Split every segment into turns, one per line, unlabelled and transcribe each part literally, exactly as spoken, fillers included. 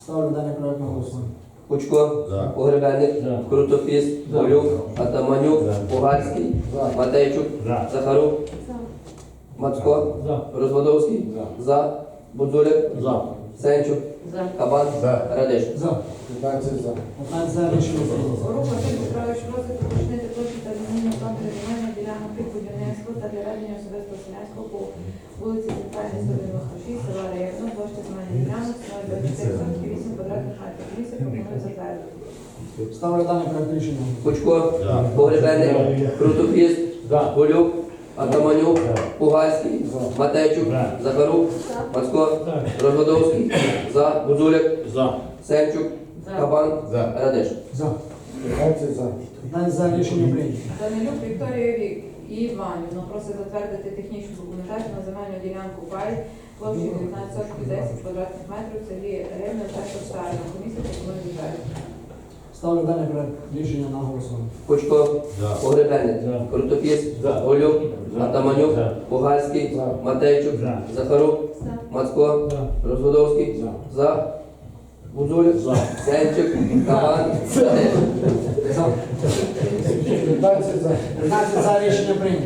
Ставлю даний проект на голосування.
Кучко,
За.
Погребенник,
За.
Крутофіс,
За.
Голюк, Атаманюк,
За.
Пугальський,
За.
Матейчук,
За.
Захарук,
За.
Мацко,
За.
Розводовський,
За.
За, Будзуляк,
За.
Сенчук,
За.
Кабан,
За.
Радеш.
За.
п'ятнадцять за.
п'ятнадцять за рішення прийнято.
Рух Василь Петрович просить уточнити площу та змінення плану регіональної ділянок під будівництво та для ведення особистого селянського по вулиці Центральній сто дев'яносто шість, села Рейно, площа земельних ділянок, становить двадцять чотири сотки, вісім квадратних метрів. Комісія пропонує затвердити.
Ставлю даний проект рішення.
Кучко,
За.
Погребенник, Крутофіс,
За.
Голюк, Атаманюк,
За.
Пугальський,
За.
Матейчук,
За.
Захарук, Мацко, Розводовський, За, Будзуляк,
За.
Сенчук,
За.
Кабан,
За.
Радеш.
За.
п'ятнадцять за.
п'ятнадцять за рішення прийнято.
Данилюк Вікторія Вік і Іванівна просить затвердити технічну документацію на земельну ділянку пай площею дев'ятнадцять соток десять квадратних метрів в селі Рівне та Шостарина. Комісія пропонує затвердити.
Ставлю даний проект рішення на голосування.
Кучко,
За.
Погребенник,
За.
Крутофіс,
За.
Голюк,
За.
Атаманюк,
За.
Пугальський,
За.
Матейчук,
За.
Захарук,
За.
Мацко,
За.
Розводовський,
За.
За, Будзуляк,
За.
Сенчук, Кабан, Радеш.
За.
п'ятнадцять за.
п'ятнадцять за рішення прийнято.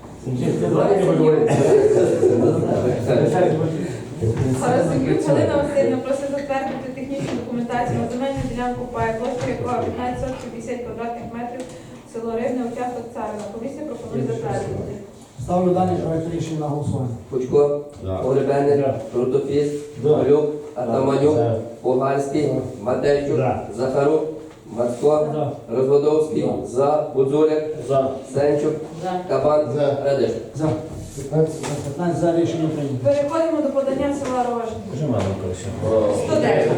Харасенюк Галина Васильівна просить затвердити технічну документацію на земельну ділянку пай площею якого п'ятнадцять соток п'ятдесят квадратних метрів село Рівне, участок Царина. Комісія пропонує затвердити.
Ставлю даний проект рішення на голосування.
Кучко,
За.
Погребенник,
За.
Крутофіс,
За.
Голюк, Атаманюк,
За.
Пугальський,
За.
Матейчук,
За.
Захарук, Мацко,
За.
Розводовський, За, Будзуляк,
За.
Сенчук,
За.
Кабан,
За.
Радеш.
За.
п'ятнадцять за.
п'ятнадцять за рішення прийнято.
Переходимо до подання села Рожня.
Вже мало краще.
сто дев'ять.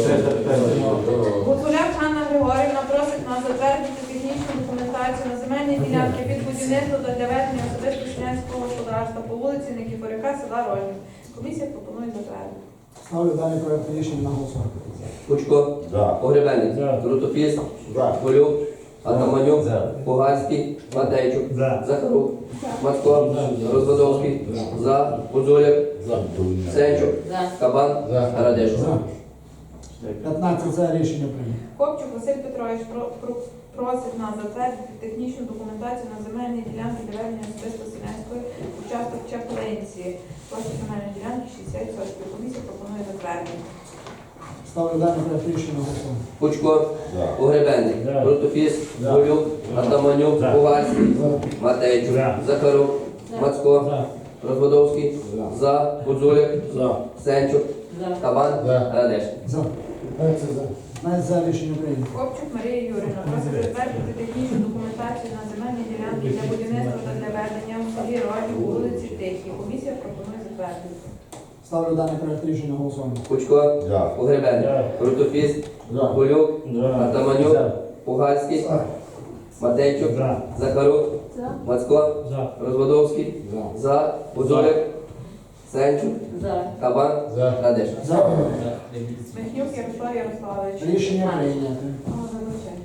Гуцуляк Ганна Григорівна просить нас затвердити технічну документацію на земельні ділянки під будівництво та для ведення особистого селянського господарства по вулиці Никифоряка, села Рожня. Комісія пропонує затвердити.
Ставлю даний проект рішення на голосування.
Кучко,
За.
Погребенник,
За.
Крутофіс,
За.
Голюк, Атаманюк,
За.
Пугальський, Матейчук,
За.
Захарук, Мацко, Розводовський, За, Будзуляк,
За.
Сенчук,
За.
Кабан,
За.
Радеш.
За. п'ятнадцять за рішення прийнято.
Копчук Василь Петрович про- про- просить нас затвердити технічну документацію на земельні ділянки для ведення особисто селянської участок Чаплинці. Площа земельної ділянки шістдесят соток. Комісія пропонує затвердити.
Ставлю даний проект рішення на голосування.
Кучко,
За.
Погребенник,
За.
Крутофіс,
За.
Голюк,
За.
Атаманюк,
За.
Пугальський,
За.
Матейчук,
За.
Захарук,
За.
Мацко,
За.
Розводовський,
За.
За, Будзуляк,
За.
Сенчук,
За.
Кабан,
За.
Радеш.
За.
п'ятнадцять за.
п'ятнадцять за рішення прийнято.
Копчук Марія Юрівна просить затвердити технічну документацію на земельні ділянки для будівництва та для ведення у селі Роді у вулиці Тихій. Комісія пропонує затвердити.
Ставлю даний проект рішення на голосування.
Кучко,
За.
Погребенник,
За.
Крутофіс,
За.
Голюк,
За.
Атаманюк,
За.
Пугальський,
За.
Матейчук,
За.
Захарук,
За.
Мацко,
За.
Розводовський,
За.
За, Будзуляк, Сенчук,
За.
Кабан,
За.
Радеш.
За.
Смехнюк Ярослав Ярославович.
Рішення прийнято.
А, вибачайте.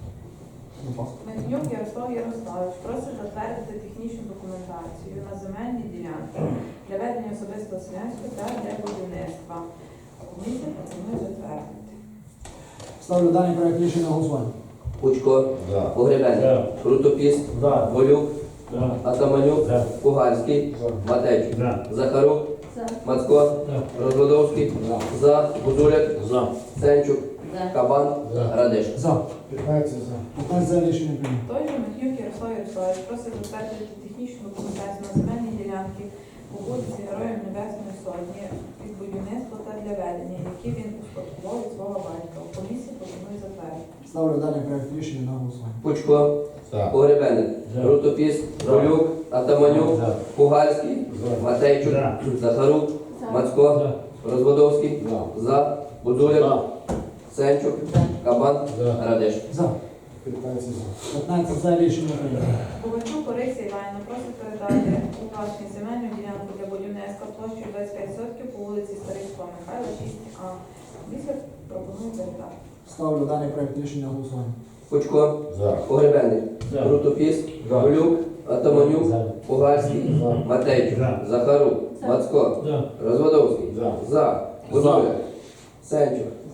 Смехнюк Ярослав Ярославович просить затвердити технічну документацію на земельні ділянки для ведення особистого селянського та для будівництва. Комісія пропонує затвердити.
Ставлю даний проект рішення на голосування.
Кучко,
За.
Погребенник,
За.
Крутофіс,
За.
Голюк,
За.
Атаманюк,
За.
Пугальський,
За.
Матейчук,
За.
Захарук,
За.
Мацко,
За.
Розводовський,
За.
За, Будзуляк,
За.
Сенчук,
За.
Кабан,
За.
Радеш.
За.
п'ятнадцять за.
п'ятнадцять за рішення прийнято.
Той же Михнюк Ярослав Ярославович просить затвердити технічну документацію на земельні ділянки по вулиці Героїв Небесної Сотні під будівництво та для ведення, які він успадкував від свого батька. Комісія пропонує затвердити.
Ставлю даний проект рішення на голосування.
Кучко,
За.
Погребенник,
За.
Крутофіс,
За.
Голюк, Атаманюк,
За.
Пугальський,
За.
Матейчук,
За.
Захарук, Мацко,
За.
Розводовський,
За.
За, Будзуляк, Сенчук, Кабан,
За.
Радеш.
За.
п'ятнадцять за.
п'ятнадцять за рішення прийнято.
Ковальчук Орисі Іванівна просить передати у власні земельну ділянку для будівництва площею двадцять п'ять сотків по вулиці Старицького Михайла, шість А. Комісія пропонує передати.
Ставлю даний проект рішення на голосування.
Кучко,
За.
Погребенник,
За.
Крутофіс,
За.
Голюк, Атаманюк,
За.
Пугальський,
За.
Матейчук,
За.
Захарук,
За.
Мацко,
За.
Розводовський,
За.
За, Будзуляк, Сенчук,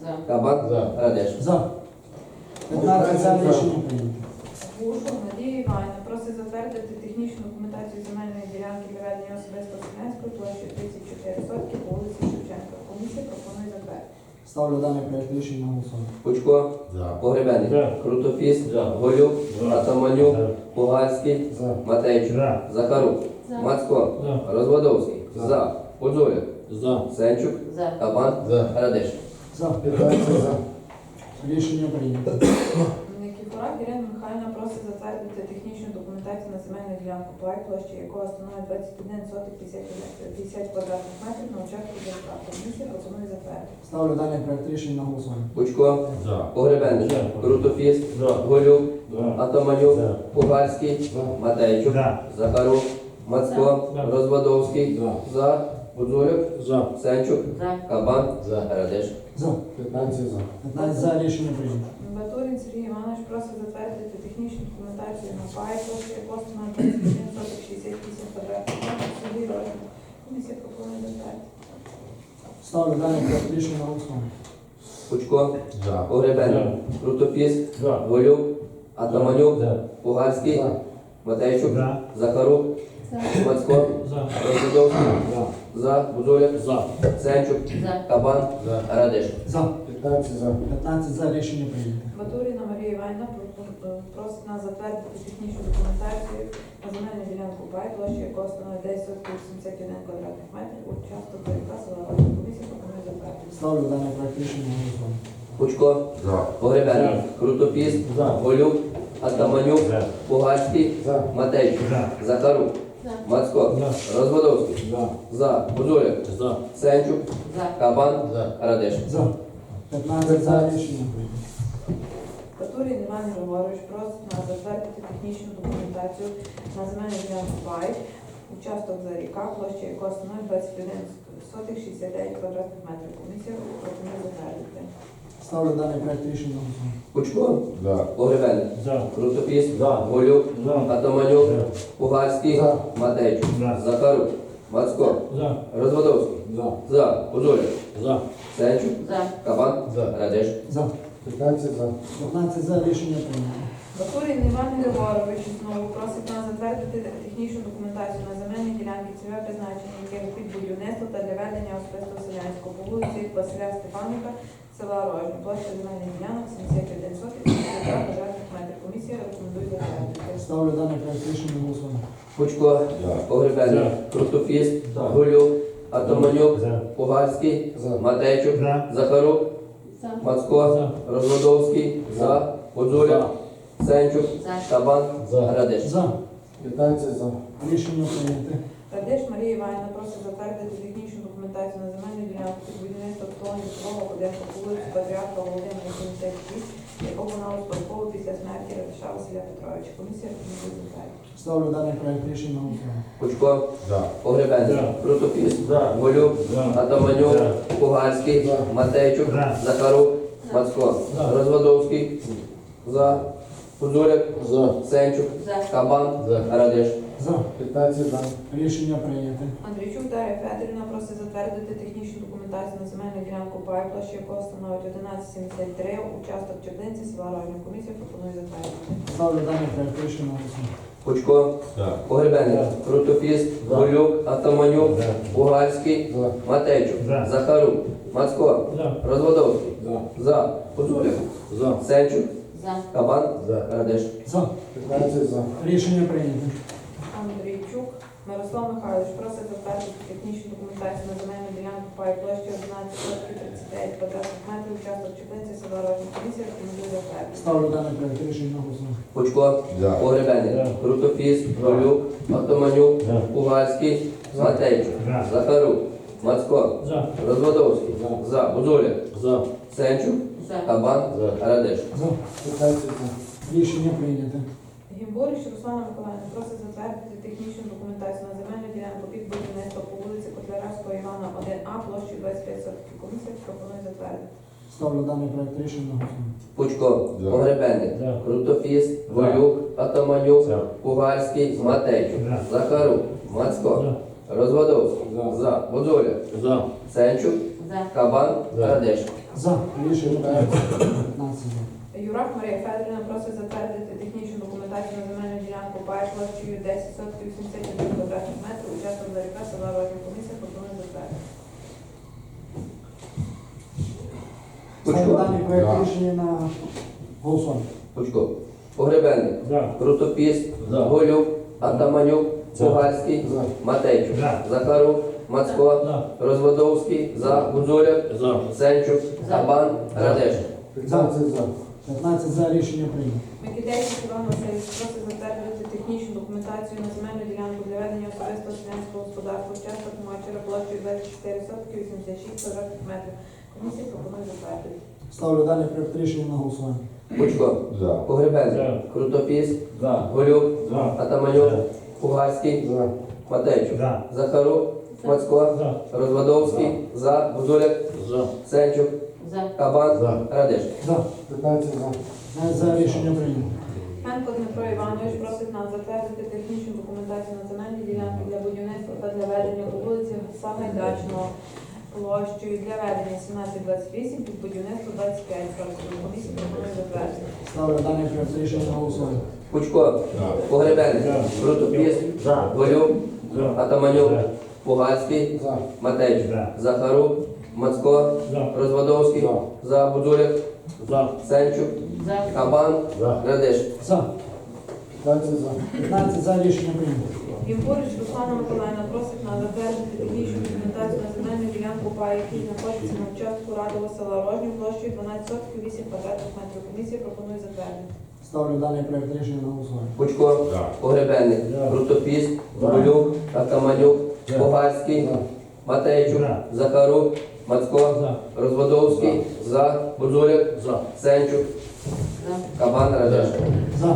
За.
Кабан,
За.
Радеш.
За. п'ятнадцять за. Рішення прийнято.
Гушов Надія Іванівна просить затвердити технічну документацію земельної ділянки для ведення особистого селянської площі тридцять чотири сотки по вулиці Шевченка. Комісія пропонує затвердити.
Ставлю даний проект рішення на голосування.
Пучко,
За.
Погребенник,
За.
Крутофіс,
За.
Голюк,
За.
Атаманюк,
За.
Пугальський,
За.
Матейчук,
За.
Захарук,
За.
Мацко,
За.
Розводовський,
За.
За, Подзоляк,
За.
Сенчук,
За.
Кабан,
За.
Радеш.
За.
п'ятнадцять за.
Рішення прийнято.
Никифорак Ірина Михайлівна просить затвердити технічну документацію на земельну ділянку проект, площа якого становить двадцять один соток п'ятдесят квадратних метрів на участку ДСК. Комісія пропонує затвердити.
Ставлю даний проект рішення на голосування.
Пучко,
За.
Погребенник,
За.
Крутофіс,
За.
Голюк,
За.
Атаманюк,
За.
Пугальський,
За.
Матейчук,
За.
Захарук, Мацко,
За.
Розводовський,
За.
За, Подзоляк,
За.
Сенчук,
За.
Кабан,
За.
Радеш.
За.
п'ятнадцять за.
п'ятнадцять за. Рішення прийнято.
Батурин Сергій Іванович просить затвердити технічну документацію на пай, площа якого становить двадцять один соток шістдесят вісім квадратних метрів. Сергій Розмір. Комісія пропонує затвердити.
Ставлю даний проект рішення на голосування.
Пучко,
За.
Погребенник, Крутофіс,
За.
Голюк, Атаманюк,
За.
Пугальський,
За.
Матейчук,
За.
Захарук,
За.
Мацко,
За.
Розводовський,
За.
За, Будоляк,
За.
Сенчук,
За.
Кабан,
За.
Радеш.
За.
п'ятнадцять за.
п'ятнадцять за. Рішення прийнято.
Батуріна Марія Іванівна пропон- просить нас затвердити технічну документацію на земельну ділянку пай, площа якого становить десять соток вісімдесят один квадратних метрів. Участок ДРК села Розмір. Комісія пропонує затвердити.
Ставлю даний проект рішення на голосування.
Пучко,
За.
Погребенник,
За.
Крутофіс,
За.
Голюк, Атаманюк,
За.
Пугальський,
За.
Матейчук,
За.
Захарук,
За.
Мацко,
За.
Розводовський,
За.
За, Будоляк,
За.
Сенчук,
За.
Кабан,
За.
Радеш.
За. п'ятнадцять за. Рішення прийнято.
Батурін Іван Григорович просить нас затвердити технічну документацію на земельну ділянку пай, участок за ріка, площа якого становить двадцять один сотих шістдесят дев'ять квадратних метрів. Комісія пропонує затвердити.
Ставлю даний проект рішення на голосування.
Пучко,
За.
Погребенник,
За.
Крутофіс,
За.
Голюк,
За.
Атаманюк,
За.
Пугальський,
За.
Матейчук,
За.
Захарук, Мацко,
За.
Розводовський,
За.
За, Будоляк,
За.
Сенчук,
За.
Кабан,
За.
Радеш.
За.
п'ятнадцять за.
п'ятнадцять за. Рішення прийнято.
Батурін Іван Григорович знову просить нас затвердити технічну документацію на земельні ділянки цільове призначення, яке під будівництво та для ведення особистого селянського по вулиці Василя Стефаника, села Рожня, площа земельних ділянок сімдесят один сотих п'ятдесят два квадратних метрів. Комісія рекомендує затвердити.
Ставлю даний проект рішення на голосування.
Пучко,
За.
Погребенник,
За.
Крутофіс,
За.
Голюк, Атаманюк,
За.
Пугальський,
За.
Матейчук,
За.
Захарук,
За.
Мацко,
За.
Розводовський,
За.
За, Подзоляк, Сенчук,
За.
Кабан,
За.
Радеш.
За.
п'ятнадцять за.
Рішення прийнято.
Радеш Марія Іванівна просить затвердити технічну документацію на земельну ділянку під будівництво обслуговування житлового будинку по вулиці Патріарха Володимира сімдесят шість, якого вона успадково після смерті Радиша Василя Петровича. Комісія рекомендує затвердити.
Ставлю даний проект рішення на голосування.
Пучко,
За.
Погребенник,
За.
Крутофіс,
За.
Голюк,
За.
Атаманюк,
За.
Пугальський,
За.
Матейчук,
За.
Захарук, Мацко,
За.
Розводовський, За, Подзоляк,
За.
Сенчук,
За.
Кабан,
За.
Радеш.
За.
п'ятнадцять за.
Рішення прийнято.
Андрійчук Дар'я Федорівна просить затвердити технічну документацію на земельну ділянку пай, площа якого становить одинадцять сімдесят три, участок Чердинці, села Рожня. Комісія пропонує затвердити.
Ставлю даний проект рішення на голосування.
Пучко,
За.
Погребенник,
За.
Крутофіс,
За.
Голюк, Атаманюк,
За.
Пугальський,
За.
Матейчук,
За.
Захарук, Мацко,
За.
Розводовський,
За.
За, Подзоляк,
За.
Сенчук,
За.
Кабан,
За.
Радеш.
За.
п'ятнадцять за.
Рішення прийнято.
Андрійчук Мирослав Михайлович просить затвердити технічну документацію на земельну ділянку пай, площа одинадцять сотих тридцять дев'ять квадратних метрів, участок Чердинці, села Рожня. Комісія рекомендує затвердити.
Ставлю даний проект рішення на голосування.
Пучко,
За.
Погребенник,
За.
Крутофіс, Голюк, Атаманюк,
За.
Пугальський,
За.
Матейчук,
За.
Захарук, Мацко,
За.
Розводовський,
За.
За, Подзоляк,
За.
Сенчук,
За.
Кабан,
За.
Радеш.
За.
п'ятнадцять за.
Рішення прийнято.
Гімборіч Руслана Миколаївна просить затвердити технічну документацію на земельну ділянку під будівництво по вулиці Котляревського Івана один А площею двадцять п'ять сотих. Комісія пропонує затвердити.
Ставлю даний проект рішення на голосування.
Пучко,
За.
Погребенник,
За.
Крутофіс, Голюк, Атаманюк,
За.
Пугальський, Матейчук,
За.
Захарук, Мацко,
За.
Розводовський,
За.
За, Подзоляк,
За.
Сенчук,
За.
Кабан,
За.
Радеш.
За. Рішення прийнято. п'ятнадцять за.
Юрак Марія Федорівна просить затвердити технічну документацію на земельну ділянку пай площею десять соток вісімдесят один квадратних метрів, участок Заріка, села Рожня. Комісія пропонує затвердити.
Ставлю даний проект
За.
рішення на голосування.
Пучко. Погребенник.
За.
Крутопіс.
За.
Голюк. Атаманюк.
За.
Пугальський.
За.
Матейчук.
За.
Захарук. Мацко.
За.
Розводовський. За. Гудзуляк.
За.
Сенчук. Кабан, Радеш.
п'ятнадцять за.
п'ятнадцять за. Рішення прийнято.
Микитейський Іван Васильович просить затвердити технічну документацію на земельну ділянку для ведення особистого селянського господарства, участок Мачера площею двадцять чотири сотки вісімдесят шість квадратних метрів. Комісія пропонує затвердити.
Ставлю даний проект рішення на голосування.
Пучко.
За.
Погребенник.
За.
Крутопіс.
За.
Голюк.
За.
Атаманюк.
За.
Пугальський.
За.
Матейчук.
За.
Захарук. Мацко.
За.
Розводовський. За. Гудзуляк.
За.
Сенчук.
За.
Кабан,
За.
Радеш.
За.
п'ятнадцять за.
п'ятнадцять за. Рішення прийнято.
Фенко Дмитро Іванович просить нас затвердити технічну документацію на земельні ділянки для будівництва та для ведення по вулиці Сагайдачного площею для ведення сімнадцять двадцять вісім під будівництво двадцять п'ять. Комісія пропонує затвердити.
Ставлю даний проект рішення на голосування.
Пучко. Погребенник.
За.
Крутопіс.
За.
Голюк.
За.
Атаманюк.
За.
Пугальський.
За.
Матейчук.
За.
Захарук. Мацко.
За.
Розводовський.
За.
За. Гудзуляк.
За.
Сенчук.
За.
Кабан,
За.
Радеш.
За.
п'ятнадцять за.
п'ятнадцять за. Рішення прийнято.
Імпорич Руслана Миколаївна просить нас затвердити технічну документацію на земельну ділянку пай, який знаходиться на участку Радового села Рожнів площею дванадцять соток вісім квадратних метрів. Комісія пропонує затвердити.
Ставлю даний проект рішення на голосування.
Пучко. Погребенник.
За.
Крутопіс.
За.
Голюк. Атаманюк.
За.
Пугальський.
За.
Матейчук.
За.
Захарук. Мацко.
За.
Розводовський. За. Гудзуляк.
За.
Сенчук.
За.
Кабан, Радеш.
За.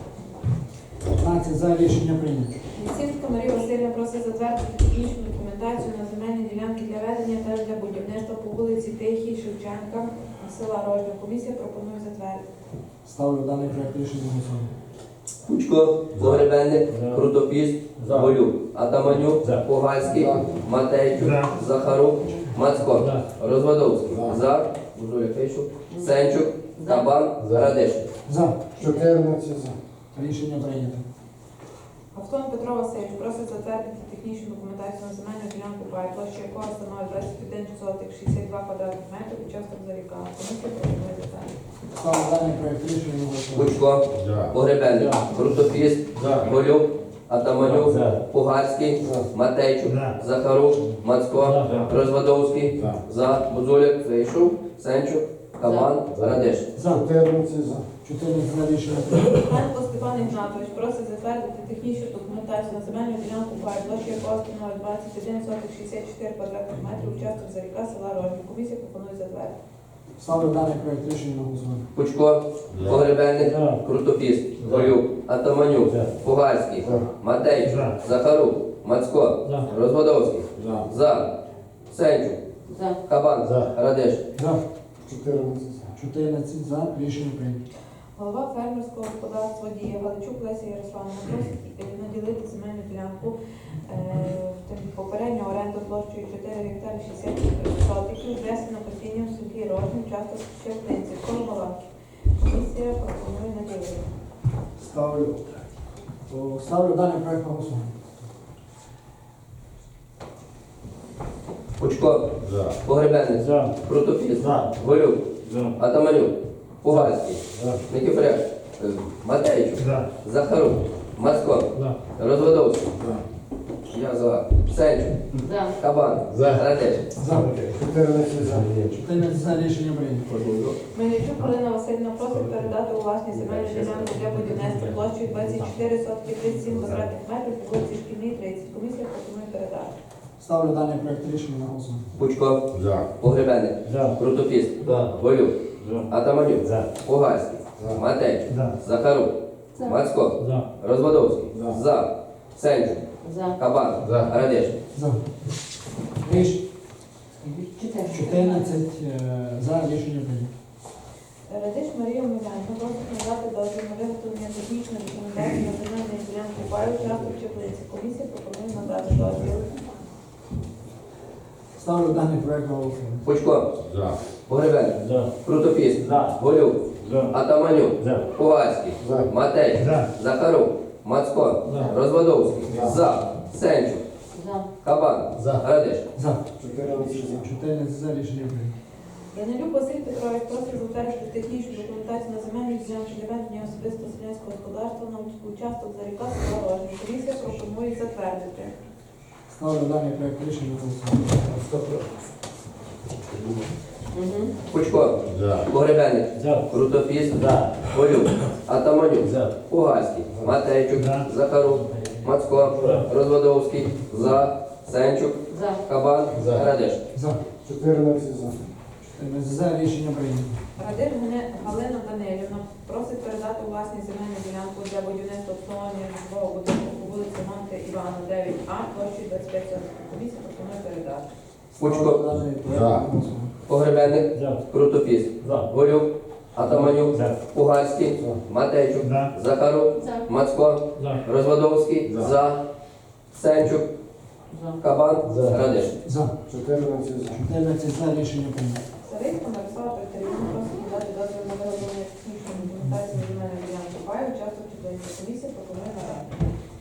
п'ятнадцять за. Рішення прийнято.
Лісівська Марія Васильівна просить затвердити технічну документацію на земельні ділянки для ведення та для будівництва по вулиці Тихій Шевченка села Рожня. Комісія пропонує затвердити.
Ставлю даний проект рішення на голосування.
Пучко. Погребенник.
За.
Крутопіс.
За.
Голюк. Атаманюк.
За.
Пугальський.
За.
Матейчук.
За.
Захарук. Мацко.
За.
Розводовський.
За.
За. Гудзуляк. Пишу. Сенчук.
За.
Кабан,
За.
Радеш.
За.
чотирнадцять за.
Рішення прийнято.
Автон Петро Васильович просить затвердити технічну документацію на земельну ділянку пай, площа якого становить двадцять один соток шістдесят два квадратних метрів, участок Заріка. Комісія пропонує затвердити.
Ставлю даний проект рішення на голосування.
Пучко.
За.
Погребенник.
За.
Крутопіс.
За.
Голюк. Атаманюк.
За.
Пугальський.
За.
Матейчук.
За.
Захарук. Мацко.
За.
Розводовський.
За.
За. Гудзуляк. Фейшук. Сенчук. Кабан,
За.
Радеш.
За.
чотирнадцять за.
чотирнадцять за. Рішення прийнято.
Франко Степан Ігнатович просить затвердити технічну документацію на земельну ділянку пай, площа якого становить двадцять один соток шістдесят чотири квадратних метрів, участок Заріка, села Рожня. Комісія пропонує затвердити.
Ставлю даний проект рішення на голосування.
Пучко. Погребенник.
За.
Крутопіс. Голюк. Атаманюк.
За.
Пугальський.
За.
Матейчук.
За.
Захарук. Мацко.
За.
Розводовський.
За.
За. Сенчук.
За.
Кабан.
За.
Радеш.
За.
чотирнадцять за.
чотирнадцять за. Рішення прийнято.
Голова фермерського господарства «Дія» Галичук Леся Ярославівна просить наділити земельну ділянку е, попередньо оренду площею чотири гектари шістдесят сотиків, внесено постійним в селі Рожнів, часто Щептинці, коло Баланки. Комісія пропонує наділити.
Ставлю. О, Ставлю даний проект на голосування.
Пучко.
За.
Погребенник.
За.
Крутопіс.
За.
Голюк.
За.
Атаманюк. Пугальський.
За.
Никифоряк. Матейчук.
За.
Захарук. Мацко.
За.
Розводовський.
За.
Я за. Сенчук.
За.
Кабан.
За.
Радеш.
За.
чотирнадцять за.
чотирнадцять за. Рішення прийнято.
Мельничук Галина Васильівна просить передати у власність земельну ділянку для будівництва площею двадцять чотири сотки тридцять сім квадратних метрів по вулиці Шкільній тридцять. Комісія пропонує передати.
Ставлю даний проект рішення на голосування.
Пучко.
За.
Погребенник.
За.
Крутопіс.
За.
Голюк.
За.
Атаманюк.
За.
Пугальський.
За.
Матейчук.
За.
Захарук.
За.
Мацко.
За.
Розводовський.
За.
За. Сенчук.
За.
Кабан.
За.
Радеш.
За. Ріш-
Чотири.
чотирнадцять е, за. Рішення прийнято.
Радиш Марія Миленко просить надати дозвіл на виготовлення технічної документації на земельну ділянку паю, участок Чеплиці. Комісія пропонує надати дозвіл.
Ставлю даний проект на голосування.
Пучко,
За.
Погребенник,
За.
Крутопіс,
За.
Голюк,
За.
Атаманюк,
За.
Пугальський,
За.
Матей,
За.
Захарук, Мацко,
За.
Розводовський,
За.
За, Сенчук,
За.
Кабан,
За.
Радиш.
За.
чотирнадцять за.
чотирнадцять за рішення прийнято.
Янелюк Василь Петрович просить затвердити технічну документацію на земельні ділянки для ведення особистого селянського господарства на участок за ріка села Рожня. Комісія пропонує затвердити.
Ставлю даний проект рішення на голосування.
Пучко,
За.
Погребенник,
За.
Крутопіс,
За.
Голюк, Атаманюк,
За.
Пугальський, Матейчук,
За.
Захарук, Мацко, Розводовський, За, Сенчук,
За.
Кабан,
За.
Радиш.
За.
чотирнадцять за.
чотирнадцять за рішення прийнято.
Радир Галина- Галина Данилівна просить передати у власність земельну ділянку для будівництва обслуговування житлового будинку по вулиці Монте Івана, дев'ять А, площі двадцять п'ять соток. Комісія пропонує передати.
Пучко,
Ставлю даний проект
За.
на голосування.
Погребенник,
За.
Крутопіс,
За.
Голюк, Атаманюк,
За.
Пугальський,
За.
Матейчук,
За.
Захарук,
За.
Мацко,
За.
Розводовський,
За.
За, Сенчук,
За.
Кабан,
За.
Радиш.
За.
чотирнадцять за.
чотирнадцять за рішення прийнято.
Савицька Мирослава Петрівна просить надати дозвіл на виготовлення технічної документації на земельну ділянку паю, участок чотирнадцять. Комісія пропонує надати.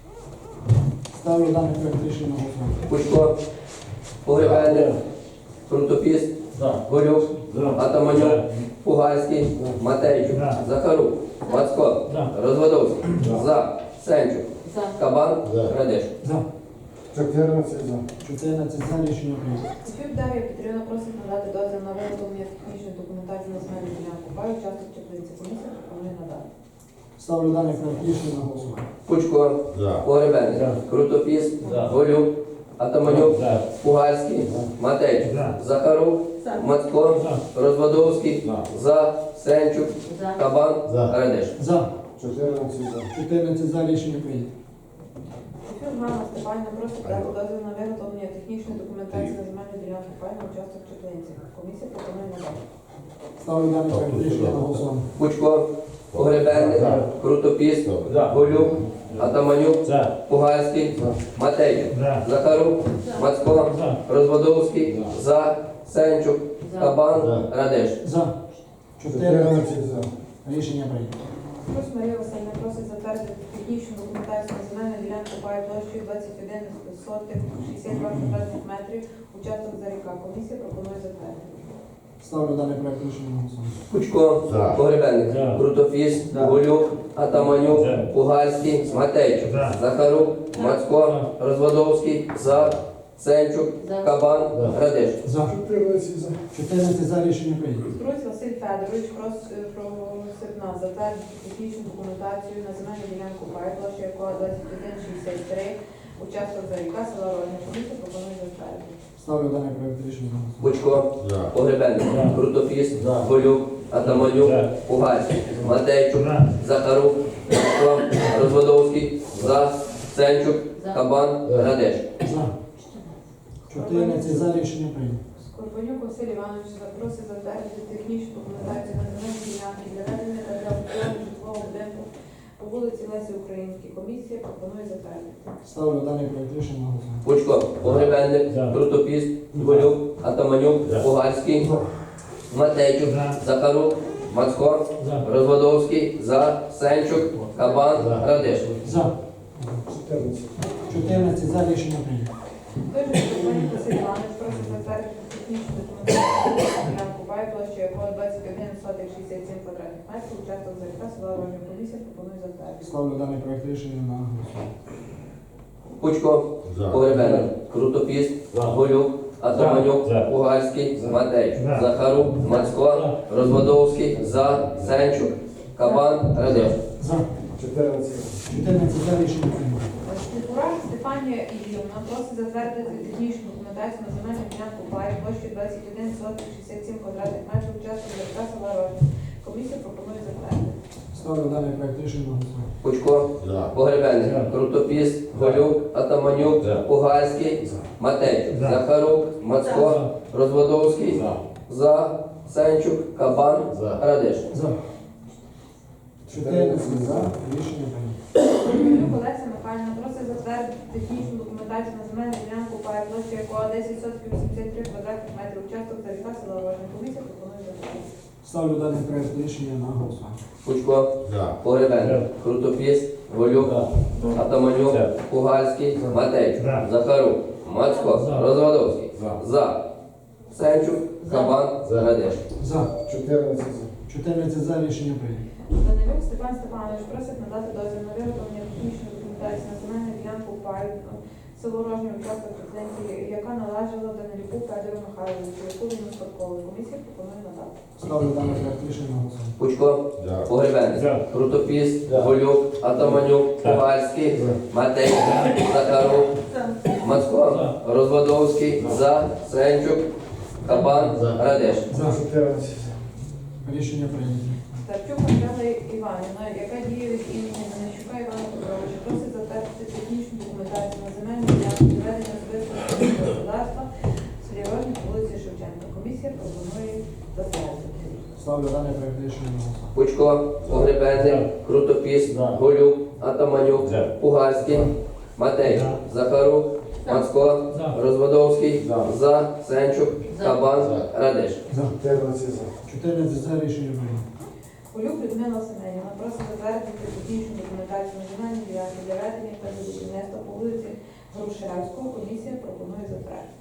Ставлю даний проект рішення на голосування.
Пучко, Погребенник, Крутопіс,
За.
Голюк,
За.
Атаманюк, Пугальський, Матейчук,
За.
Захарук, Мацко,
За.
Розводовський,
За.
За, Сенчук,
За.
Кабан,
За.
Радиш.
За.
чотирнадцять за.
чотирнадцять за рішення прийнято.
Софію Дар'я Петрівна просить надати дозвіл на виготовлення технічної документації на земельну ділянку паю, участок чотирнадцять. Комісія пропонує надати.
Ставлю даний проект рішення на голосування.
Пучко,
За.
Погребенник,
За.
Крутопіс,
За.
Голюк, Атаманюк,
За.
Пугальський, Матейчук,
За.
Захарук,
За.
Мацко,
За.
Розводовський,
За.
За, Сенчук,
За.
Кабан,
За.
Радиш.
За.
чотирнадцять за.
чотирнадцять за рішення прийнято.
Софію Ганна Степанівна просить дати дозвіл на виготовлення технічної документації на земельну ділянку паю, участок чотирнадцять. Комісія пропонує надати.
Ставлю даний проект рішення на голосування.
Пучко, Погребенник,
За.
Крутопіс,
За.
Голюк, Атаманюк,
За.
Пугальський,
За.
Матейчук,
За.
Захарук, Мацко,
За.
Розводовський, За, Сенчук,
За.
Кабан,
За.
Радиш.
За. чотирнадцять
чотирнадцять за.
рішення прийнято.
Плюс Марія Васильівна просить затвердити технічну документацію на земельну ділянку паю площею двадцять один сотих шістдесят два квадратних метрів, участок за ріка. Комісія пропонує затвердити.
Ставлю даний проект рішення на голосування.
Пучко,
За.
Погребенник,
За.
Крутофіс,
За.
Голюк, Атаманюк,
За.
Пугальський, Матейчук,
За.
Захарук, Мацко, Розводовський, За, Сенчук,
За.
Кабан,
За.
Радиш.
За.
чотирнадцять за.
чотирнадцять за рішення прийнято.
Струсь Василь Федорович просить просить нас затвердити технічну документацію на земельну ділянку паю площею якого двадцять один шістдесят три, участок за ріка, села Рожня. Комісія пропонує затвердити.
Ставлю даний проект рішення на голосування.
Пучко,
За.
Погребенник,
За.
Крутофіс,
За.
Голюк, Атаманюк,
За.
Пугальський, Матейчук,
За.
Захарук, Мацко, Розводовський, За, Сенчук,
За.
Кабан,
За.
Радиш.
За. чотирнадцять за рішення прийнято.
Скорбанюк Василь Іванович запросить затвердити технічну документацію на земельні ділянки для ведення та для обслуговування житлового будинку по вулиці Лесі Українській. Комісія пропонує затвердити.
Ставлю даний проект рішення на голосування.
Пучко, Погребенник,
За.
Крутопіс, Голюк, Атаманюк,
За.
Пугальський, Матейчук,
За.
Захарук, Мацко,
За.
Розводовський, За, Сенчук, Кабан,
За.
Радиш.
За.
чотирнадцять.
чотирнадцять за рішення прийнято.
Той же Скорбанюк Василь Іванович просить затвердити технічну документацію на ділянку пай площею якого двадцять один сотих шістдесят сім квадратних метрів, участок за ріка, села Рожня. Комісія пропонує затвердити.
Ставлю даний проект рішення на голосування.
Пучко,
За.
Погребенник, Крутопіс,
За.
Голюк, Атаманюк,
За.
Пугальський,
За.
Матейчук,
За.
Захарук, Мацко, Розводовський, За, Сенчук, Кабан, Радиш.
За.
чотирнадцять за.
чотирнадцять за рішення прийнято.
Степурак Стефанія Ігорівна просить затвердити технічну документацію на земельну ділянку пай площею двадцять один сотих шістдесят сім квадратних метрів, участок за ріка, села Рожня. Комісія пропонує затвердити.
Ставлю даний проект рішення на голосування.
Пучко,
За.
Погребенник,
За.
Крутопіс, Голюк, Атаманюк,
За.
Пугальський, Матейчук,
За.
Захарук, Мацко, Розводовський,
За.
За, Сенчук, Кабан,
За.
Радиш.
За. чотирнадцять за рішення прийнято.
Романюк Олеся Михайлівна просить затвердити технічну документацію на земельну ділянку пай площі якого десять сотень вісімдесят три квадратних метрів участок та ріка села Рожня. Комісія пропонує затвердити.
Ставлю даний проект рішення на голосування.
Пучко,
За.
Погребенник, Крутопіс, Голюк, Атаманюк,
За.
Пугальський, Матей,
За.
Захарук, Мацко, Розвадовський,
За.
За, Сенчук, Кабан,
За.
Радеш.
За.
чотирнадцять за.
чотирнадцять за рішення прийнято.
Данилюк Степан Степанович просить надати дозвіл на виготовлення технічної документації на земельну ділянку пай село Рожня участок президенції, яка належала Данилюку Федору Михайловичу, яку він успадковує. Комісія пропонує надати.
Ставлю даний проект рішення на голосування.
Пучко,
За.
Погребенник,
За.
Крутопіс,
За.
Голюк, Атаманюк,
За.
Пугальський, Матей, Захарук, Мацко, Розвадовський, За, Сенчук, Кабан,
За.
Радеш.
За.
чотирнадцять за.
Рішення прийнято.
Старчук Анжела Іванівна, яка діє від імені Данищука Івана Петровича, просить затвердити технічну документацію на земельну ділянку ведення особистого господарства в селі Рожня по вулиці Шевченка. Комісія пропонує затвердити.
Ставлю даний проект рішення на голосування.
Пучко, Погребенник, Крутопіс,
За.
Голюк, Атаманюк,
За.
Пугальський, Матей,
За.
Захарук, Мацко, Розвадовський,
За.
За, Сенчук, Кабан,
За.
Радеш.
За.
чотирнадцять за.
чотирнадцять за рішення прийнято.
Полюк Людмила Семенівна просить затвердити технічну документацію на земельні ділянки для ведення та будівництва по вулиці Грушевського. Комісія пропонує затвердити.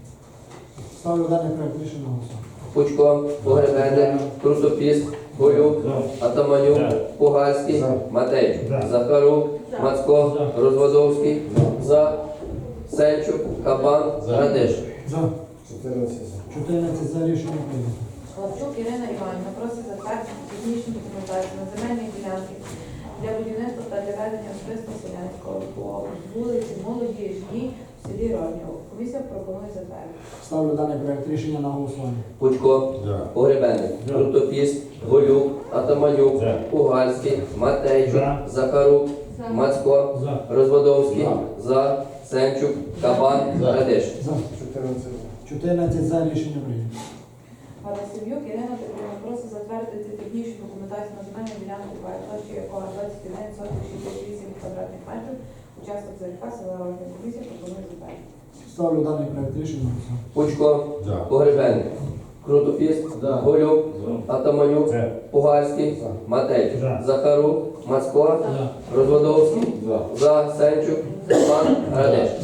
Ставлю даний проект рішення на голосування.
Пучко, Погребенник, Крутопіс, Голюк, Атаманюк,
За.
Пугальський,
За.
Матей,
За.
Захарук,
За.
Мацко, Розвадовський, За, Сенчук, Кабан,
За.
Радеш.
За.
чотирнадцять за.
чотирнадцять за рішення прийнято.
Лавчук Ірина Іванівна просить затвердити технічну документацію на земельні ділянки для будівництва та для ведення особистого селянського по вулиці Молодіжній в селі Рожнєво. Комісія пропонує затвердити.
Ставлю даний проект рішення на голосування.
Пучко,
За.
Погребенник,
За.
Крутопіс, Голюк, Атаманюк,
За.
Пугальський, Матейчук,
За.
Захарук,
За.
Мацко, Розвадовський, За, Сенчук, Кабан,
За.
Радеш.
За.
чотирнадцять за.
чотирнадцять за рішення прийнято.
Галасів'юк Ірина Петрівна просить затвердити технічну документацію на земельну ділянку площі якого двадцять один сотих шістдесят вісім квадратних метрів, участок Заріка, села Рожня. Комісія пропонує затвердити.
Ставлю даний проект рішення на голосування.
Пучко,
За.
Погребенник, Крутопіс, Голюк, Атаманюк,
За.
Пугальський,
За.
Матей,
За.
Захарук, Мацко, Розвадовський,
За.
За, Сенчук, Кабан, Радеш.